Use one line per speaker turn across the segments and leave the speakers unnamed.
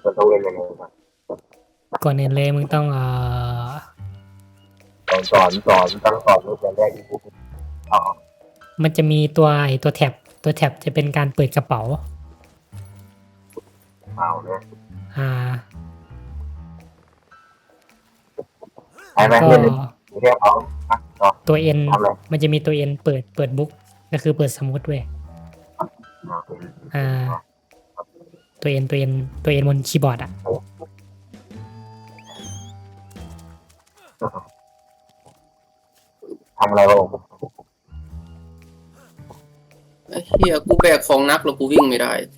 จะต้องเรียนยังไงครับ
ก่อนอื่นเลยมึงต้อง
สอนตั้งสอนตั้งแต่แรกที่พูดอ๋อ
มันจะมีตัวแท็บจะเป็นการเปิดกระเป๋า
เอาเนี่ย
อ่า
ใช่ไหม
แล้วก็
เรียนเรียกเขาต่อ
ตัวเอ็น
ทำอะไร
มันจะมีตัวเอ็นเปิดบุ๊กก็คือเปิดสมุดเว้ยอ่าตัวเอ็นบนคีย์บอร์ดอ่ะ
ทำอะไรบ้าง
ไอ้เฮียกูแบกของนักแล้วกูวิ่งไม่ได้คือ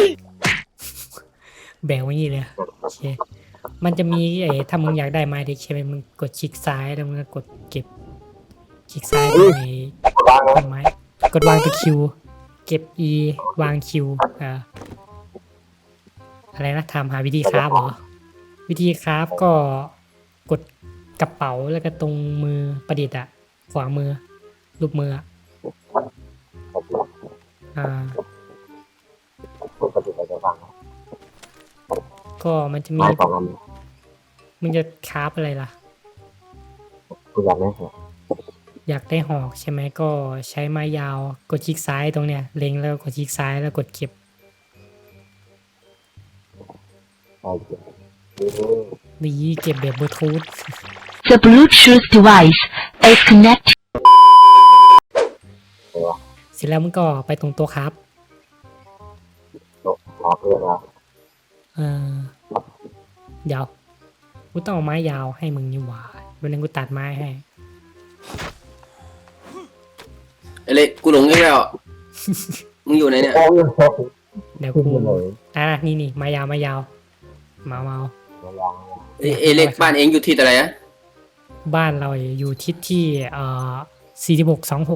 แบกไว้นี่เลยโอเคมันจะมีถ้ามึงอยากได้ไม้เด็กใช่ไหมมึงกดคลิกซ้ายแล้วมึงก็กดเก็บคลิกซ้ายใน
บ้างนะ
ต้นไม้กดวางตัวคิวเก็บ E วางคิวอะไรนะทำหาวิธีคราฟเหรอวิธีคราฟก็กดกระเป๋าแล้วก็ตรงมือประดิษฐ์อะขวามือรูปมืออะอ่า
ปกติเราจะฟัง
ก็มันจะมี
ไม้สองอัน
มึงจะคราฟอะไรล่ะ
คุณอยากได้เหรอ
อยากได้หอกใช่ไหมก็ใช้ไม้ยาวกดคลิกซ้ายตรงเนี้ยเล็งแล้วกดคลิกซ้ายแล้วกดเก็บ
ใช่เก็บ
นี่เก็บแบบบลูทูธ
The Bluetooth device is connected.
เสร็จแล้วมึงก็ไปตรงตัวครับ
รอเพื่อนนะ
เออเดี๋ยวกูต้องเอาไม้ยาวให้มึงนี่หว่าวันนึงกูตัดไม้ให้
ไอ้เล็กกูหลงอีกแล้วมึงอยู่ไหนเนี่ย
โอ้ย
เดี๋ยว
ขึ้น
กู
ไปเลย
นี่ไม้ยาวเมา
ยัง
ไอ้เล็กบ้านเองอยู่ที่อะไรอะ
บ้านเราอยู่ทิศที่4626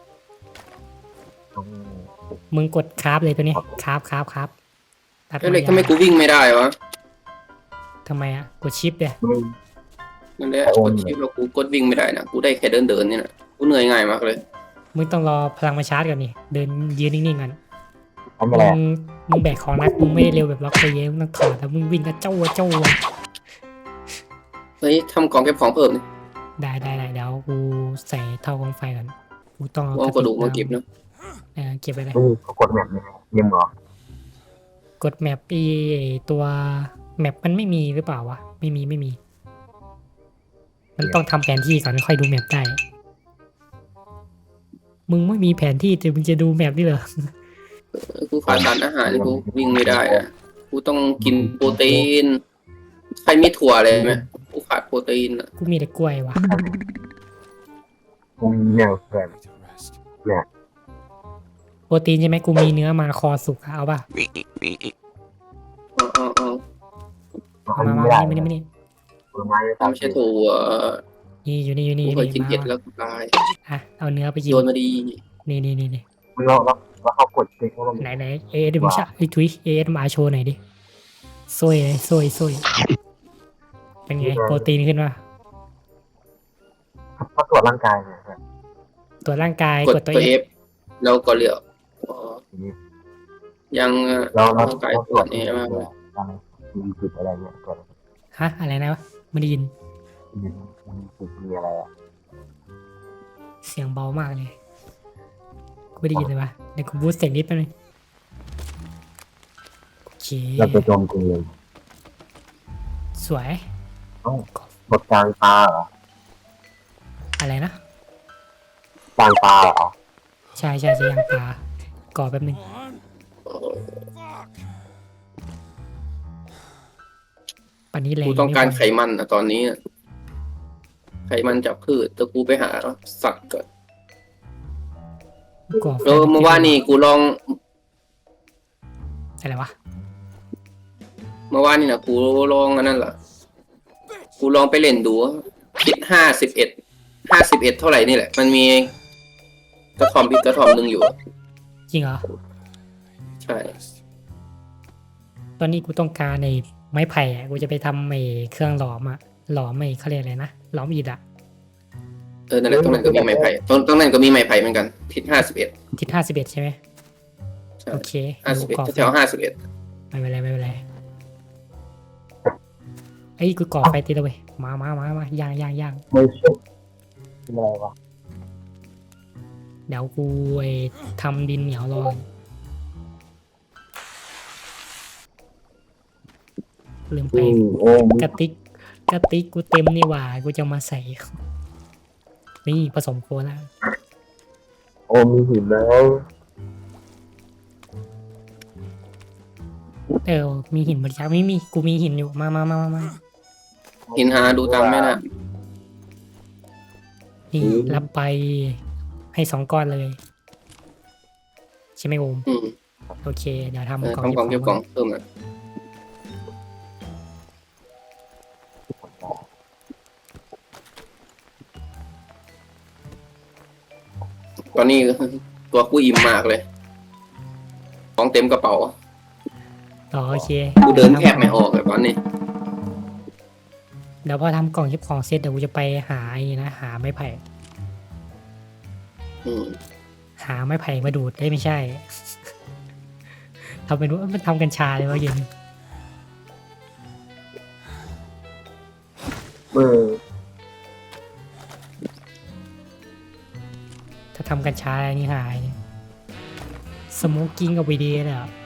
มึงกดคราฟเลยตัวนี้คราฟตัด
ไอ้
ไม้
เล็ก
ยา
ทำไม
ว
กูวิ่งไม่ได้วะ
ทำไมอ่ะกดชิปเลย
นั่นแหละกดชิปแล้วกูกดวิ่งไม่ได้นะกูได้แค่เดินนี่นะกูเหนื่อยง่ายมากเลย
มึงต้องรอพลังมาชาร์จก่อนนี่เดินยืนนิ่งๆก่อน
ทำอะไร
มึงแบกของนักมึงไม่ได้เร็วแบบล็อกตัวเองมึงต้องถอดแล้วมึงวิ่งก็เจ้า
เฮ้ยทำกล่องเก็บของเพิ่มนี่
ได้เดี๋ยวกูใส่เท่ากองไฟก่อนกูต้อง
เอากระดูกมาเก็บนะ
เก็บไปเลย
นี่เขากดแบบนี้ยิมเหรอก
ดแมปตัวแมปมันไม่มีหรือเปล่าวะไม่มีมันต้องทำแผนที่ก่อนค่อยดูแมปได้มึงไม่มีแผนที่แต่มึงจะดูแมปนี่เหรอ
กูขาดสารอาหารกูวิ่งไม่ได้อะกูต้องกินโปรตีนใครมีถั่วอะไรไหมกูขาดโปรตีนอะ
กูมีแต่กล้วยว่ะ
ผมเนี่ยเพื่อนเนี่ย
โปรตีนใช่ไหมกูมีเนื้อมาคอสุกอะเอาป่ะ
มัน
มา
ไม่ได้
ไม่
ไม่ใช่ถั่ว
นี่อยู่นี่
กูเคยกินเห็ดแล้วกูตาย
เอาเนื้อไปกิน
โยนมาดี
นี่
เราเขากดคลิกแล้วมัน
ไหนเดี๋ยวมึงชะทุยมาโชว์หน่อยดิโซ่เป็นไงโปรตีนขึ้นมา
เขาตรวจร่างกายเนี่ย
ตัวร่างกาย
ก
ก
ด
ดตัว
ตัว
เอ
F แล้วก็เลือกยัง
เรา
ร่างกายตรวจนี่มากเลย
มีจุดอะไรเนี่ยกด
ฮะอะไรนะวะไม่ได้ยิน
มีจุดมีอะไรอ่ะ
เสียงเบามากเลยกูไม่ได้ยินเลยวะเดี๋ยวกูบูสต์เสียงนิดไปเลยโอเค
เราจะโจมตีเลย
สวย
กดกลางตาเหรอ
อะไรนะ
กลางตาเหรอ
ใช่จะยังตาก่อแป๊บนึงปันนี้แรง
กูต้องการไขมันนะตอนนี้อะไขมันจากพืชแต่กูไปหาสัตว์ก่อน
ก่อไฟ
เมื่อวานนี่กูลอง
อะไรวะ
เมื่อวานนี่นะกูลองอันนั้นแหละกูลองไปเล่นดูคิด51เท่าไหร่นี่แหละมันมีกระถอมอีกกระถอมหนึ่งอยู่
จริงเหรอ
ใช่
ตอนนี้กูต้องการในไม้ไผ่อะกูจะไปทำเครื่องหลอมอะหลอมเขาเรียกอะไรนะหลอมอิฐอะ
นั่นแหละตรงนั้นก็มีไม้ไผ่ตรงนั้นก็มีไม้ไผ่เหมือนกันทิศ51
ทิศ51ใช่ไหม
ใช่
โอเค
51
ก่อไฟ
แถว51
ไม่เป็นไรไอ้ยกูก่อไฟติดแล้วเว้ยมาย่าง
ไม่ใช่เป็นอะไรวะ
เดี๋ยวกูไอ้ทำดินเหนียวรอลืมไป
โอ้ม
กระติกกูเต็มนี่หว่ากูจะมาใส่นี่ผสมโคแล้ว
โอ้มีหินแล้ว
มีหินบริจาคไม่มีกูมีหินอยู่มา
หินหาดูตามแม่น่ะ
นี่รับไปให้2 ก้อนเลยใช่ไหมโอม
อืม
โอเคเดี๋ยวทำ
เออก
ล่อง
ทำกล่องเก็บกล่องเพิ่มอ่ะตอนนี้ตัวกูอิ่มมากเลย ของเต็มกระเป๋า
ต่อโอเค
กูเดินแทบไม่ออกเลยตอนนี้
เดี๋ยวพอทำกล่องเก็บของเสร็จเดี๋ยวกูจะไปหาไอ้นะหาไม้ไผ่
อืม
หาไม้ไผ่มาดูดได้ไม่ใช่ ทำเป็นว่ามันทำกัญชาเลยวะเย็น
เมื่อ
ถ้าทำกัญชาอะไรนี่หายสโมกกิ้งกับวีดีเลยอ่ะ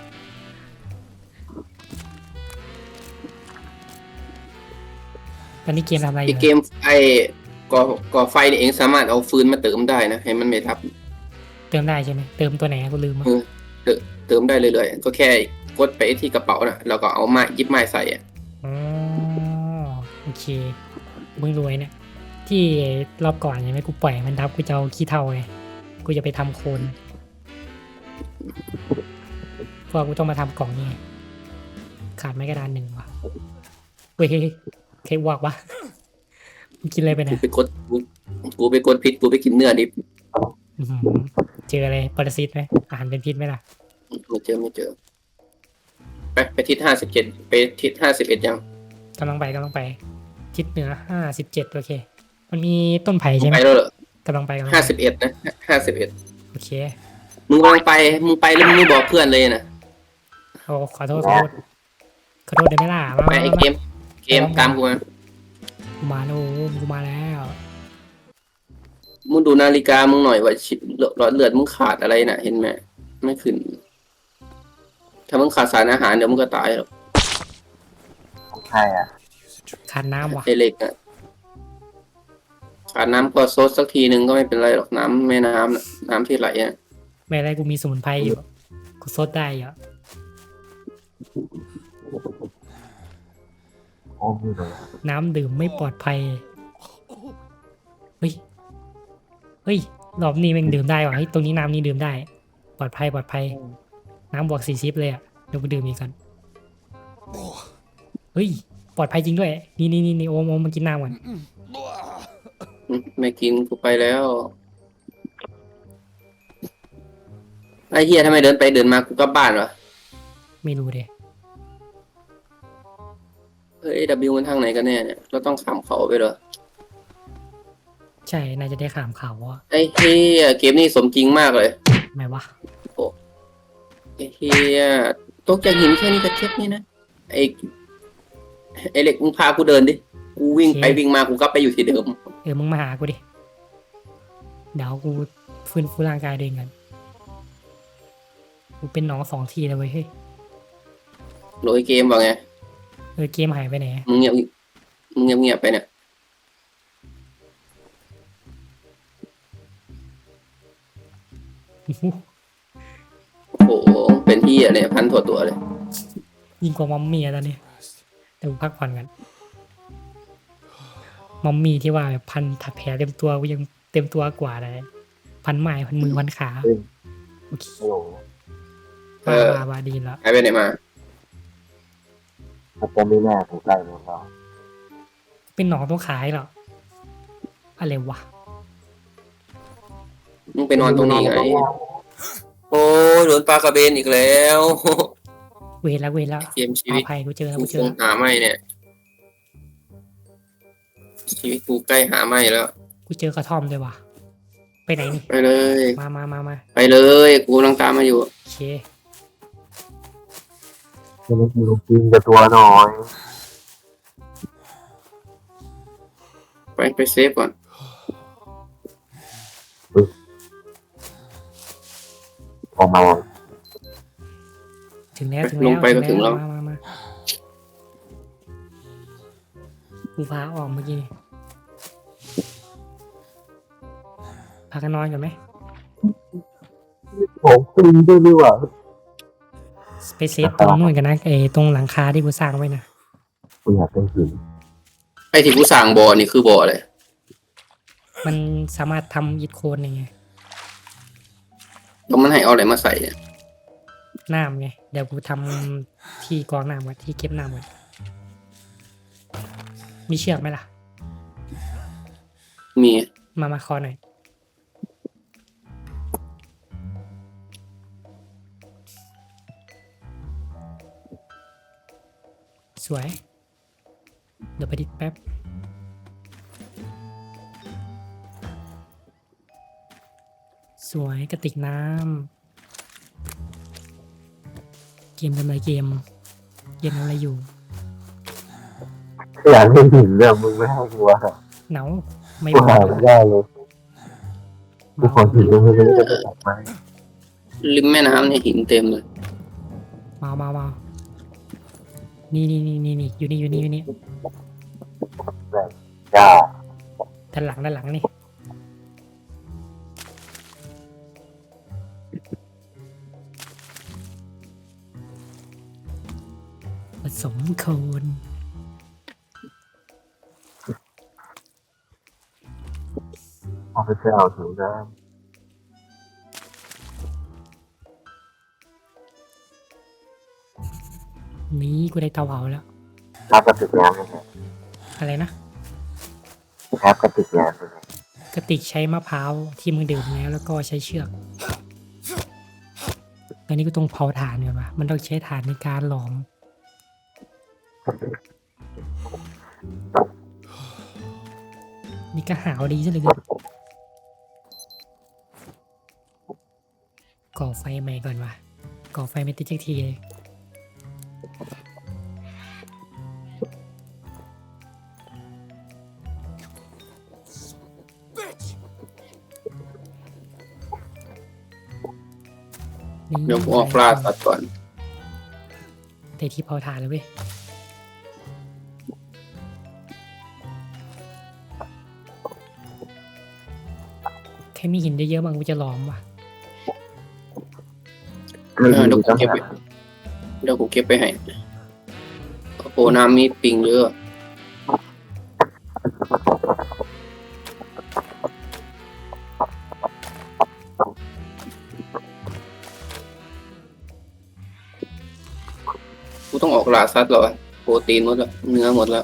ตอนนี้เกมทำอะไรอ
ที่
ยู่
เกมไอ้ก่อไฟนี่เองสามารถเอาฟืนมาเติมได้นะให้มันไม่ทับ
เติมได้ใช่ไหมเติมตัวไหนกูลืมอ่ะ
เติมได้เรื่อยๆก็แค่กดไปที่กระเป๋าน่ะแล้วก็เอาไม้หยิบไม้ใส่อ่ะ
อ๋อโอเคมึงรวยเนี่ยที่รอบก่อนใช่ไหมกูปล่อยมันทับกูจะเอาขี้เถ้าไงกูจะไปทำโคนเพราะกูต้องมาทำกล่องนี่ไงขาดไม้กระดาน1ว่ะเว้ยเค้กวอกวะมึงกินอะไรไป
กู
เนี่ย
ไปกดกูไปกดพิษกูไปกินเนื้อดิบ
อื้อหือเจออะไรปรสิตไหมอาหารเป็นพิษไหมล่ะ
ไม่เจอไปทิศ57ไปทิศ51ยัง
กำลังไปทิศเหนือ57โอเค มันมีต้นไผ่ใช่ไหม
ไปแล้วเหรอก
ำลังไป
51นะ51
โอเค
มึงกำลังไปมึงไปแล้วมึงไม่บอกเพื่อนเลยนะ
โอ้ขอโทษได้ไหมล่ะ
ไปไอ้เกมตามกูมา
มาแล้วกูมาแล้ว
มึงดูนาฬิกามึงหน่อยว่าหลอดเลือดมึงขาดอะไรน่ะ เห็นไหมไม่ขึ้น ถ้ามึงขาดสารอาหารเดี๋ยวมึงก็ตายหรอก
ใช่อ่ะ
ขาดน้ำว่ะ
ไอ้เหล็กอ่ะขาดน้ำก็ซดสักทีนึงก็ไม่เป็นไรหรอกน้ำแม่น้ำน่ะน้ำที่ไหลอ่ะ
ไม่อะไรกูมีสมุนไพรอยู่กูซดได้อยู่
โอ้มีเลย
น้ำดื่มไม่ปลอดภัยเฮ้ยรอบนี้แม่งดื่มได้ว่ะเฮ้ยตรงนี้น้ำนี่ดื่มได้ ปลอดภัยน้ำบวก40เลยอ่ะเดี๋ยวกูดื่มอีกก่อนเฮ้ยปลอดภัยจริงด้วยนี่โอมมากินน้ำก่อน
ไม่กินกูไปแล้วไอ้เฮียทำไมเดินไปเดินมากูกลับบ้านวะ
ไม่รู้เด้
เฮ้ย W มันทางไหนกันแน่เนี่ยเราต้องข้ามเขาไปเหรอ
ใช่น่าจะได้ข่ามข่าวว่า
ไอ้เฮียเกมนี้สมจริงมากเลย
ไม่วะ
ไอ้เฮียตกจากหินแค่นี้ก็เจ็บนี่นะไอ้เหล็กมึงพากูเดินดิกูวิ่งไปวิ่งมากูกลับไปอยู่ที่เดิม
มึงมาหากูดิเดี๋ยวกูฟื้นฟูร่างกายเองกันกูเป็นหนอง2 ทีเลยเว้ยเฮ้ย
โหลยเกมว่าไง
เกมหายไปไหน
มึงเงียบไปเนี่ย โอ้โหเป็นที่อะไรพันถั่วตัวเลย
ยิ่งกว่ามัมมี่อะตอนนี้แต่กูพักผ่อนกันมัมมี่ที่ว่าแบบพันถักแผลเต็มตัวกูยังเต็มตัวกว่าเลยพันไม้พันมือพันขาโอเค
โอ้โห
บาดีแล้ว
หายไปไหนมา
มันจะไม่แน่ถูกใกล้หรือเปล่า
เป็นหนองต้องขายเหรออะไรวะ
มึงไปนอนตรงนี้ไง โอ้ยโดนปลากระเบนอีกแล้ว
เวรแล้ว
เกมชี
ปลา
วิต
ภัยกูเจอแล้ว
กู
กูเจ
ค
อง แล้ว
หาไม่เนี่ย ชีวิตกูใกล้หาไม่แล้ว
กูเจอกระท่อมเลยว่ะไปไหนนี่
ไปเลย
มา
ไปเลย กูกำลังตามมาอยู่
โอเค
จะได้กินกินกับตัวหน่อย
ไปเซฟก่อน
ออกมา
ถึงแล้วถึง
ล
แล้ว
งไปก็ถึงแล้ว
มากูพาออกเมื่อกี้พากันนอนก่อนไหม
ผมตีด้วยดีกว่า
ไปเซฟตรงนู่นกันนะตรงหลังคาที่กูสร้างไว้นะ
กูอยากได้หิน
ไอ้ที่กูสั่งบ่อนี่คือบ่ออะไร
มันสามารถทำอิฐโคนยังไง
แล้วมันให้เอาอะไรมาใส่เนี่ย
น้ำไงเดี๋ยวกูทำที่กรองน้ำไว้ที่เก็บน้ำไว้มีเชือกไหมล่ะ
มี
มาคอหน่อยสวย เดี๋ยวไปดิดแป๊บ สวยกระติกน้ำเกมทำอะไรเกมทำอะไรอยู่
อยากได้หินเนี่ยมึงไม่ให้กูอะ
เหนาไม่
กู
บอ
หาก ไม่ได้เลยกูขอหินตรงนี้จะไปตัดไม้
ริมแม่น้ำเนี่ยหินเต็มเลย
มานี่อยู่นี่
จ้า
ด้านหลังนี่ผสมโคน
เอาไปเอาถึงน้
นี้กูได้เตาเผาแล้ว
ำครับกระติกน้ำยังไง
อะไรนะ
ครับกระติกน้ำยังไง
กระติกใช้มะพร้าวที่มึงดื่มแล้วก็ใช้เชือกตอนนี้กูต้องเผาถ่านก่อนวะมันต้องใช้ถ่านในการหลอม นี่ก็หาวดีซะเหลยก่อไฟใหม่ก่อนวะก่อไฟไม่ติดสักทีเลยนี่
เดี๋ยวกูออกล่าสัตว์ก่อน
ได้ที่เผาถ่านแล้วเว้ยแค่มีหินได้เยอะบางกูจะหลอมว่ะ
ไม่
เดี๋
ดี
ยวกู
ต้อง
เก็บไปเดี๋ยวกูเก็บไปให้โอ้โหน้ำมีปิงเยอะกูต้องออกล่าสัตว์แล้วอะโปรตีนหมดแล้วเนื้อหมดแล้ว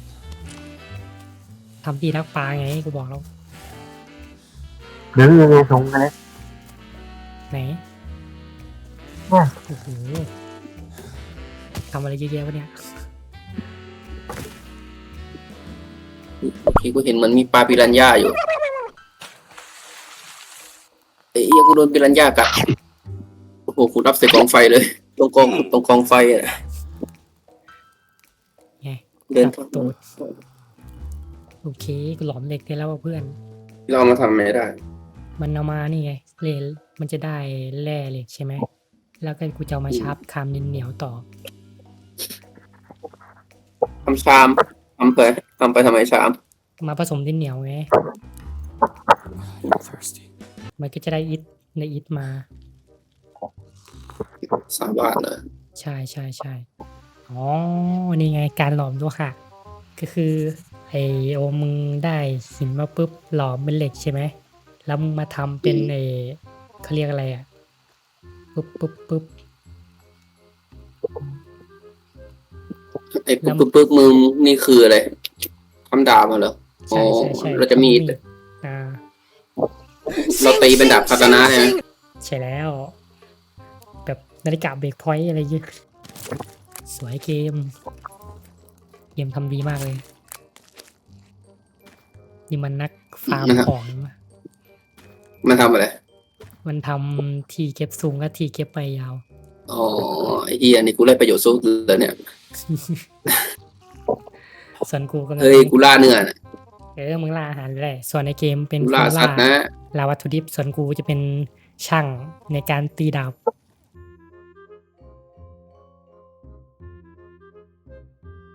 ทำที่รักปลาไงกูบอกแล้ว
หรือยังไงทรงกันเลย
ไหน
ว้า
โอ้โหทำอะไรเยอะแยะวะเนี่ย
เมื่อกี้กูเห็นมันมีปลาปิรันย่าอยู่เอ้ยกูโดนปิรันย่ากัดโอ้โหกูรับใส่กองไฟเลย ตรงกองไฟอ่ะ
ไง
เดิน
ตัดตูดโอเคกูหลอมเหล็กได้แล้วว่ะเพื่อน
เราเอามาทำไม่ได้
มันเอามานี่ไงเหล็กมันจะได้แร่เหล็กใช่ไหมแล้วก็กูจะเอามาชาร์ปคามเหนียวต่อ
ทำชามทำไปทำไมชาม
มาผสมดินเหนียวไงมันก็จะได้อิฐในอิฐมา
3 บาทเลย
ใช่อ๋อนี่ไงการหลอมโลหะก็คือไอโอมึงได้หินมาปุ๊บหลอมเป็นเหล็กใช่ไหมแล้วมึงมาทำเป็นเขาเรียกอะไรอ่ะปุ๊บ
ไอ้ปึ๊บมึงนี่คืออะไรทำดาบมาเหรออ๋อ
ใช่
เราจะมีด
อ่า
เราตีเป็นดาบคาตานะเนี่ย
ใช่แล้ว แบบนาฬิกาเบรกพอยต์อะไรเยอะสวยเกมทำดีมากเลย นี่มันนักฟาร์มของนะ
มันทำอะไร
มันทำที่เก็บสูงและที่เก็บไปยาว
อ๋อไอ้เฮียนี่กูได้ประโยชน์สุดเลยเนี่ย
ส่วนกูกำลัง
เฮ้ยกูล่าเนื้อน่ะ
มึงล่าอาหารไปได้ส่วนในเกมเป็น
กู
คน
ล่าสัตว์นะ
ล่าวัตถุดิบส่วนกูจะเป็นช่างในการตีดาบ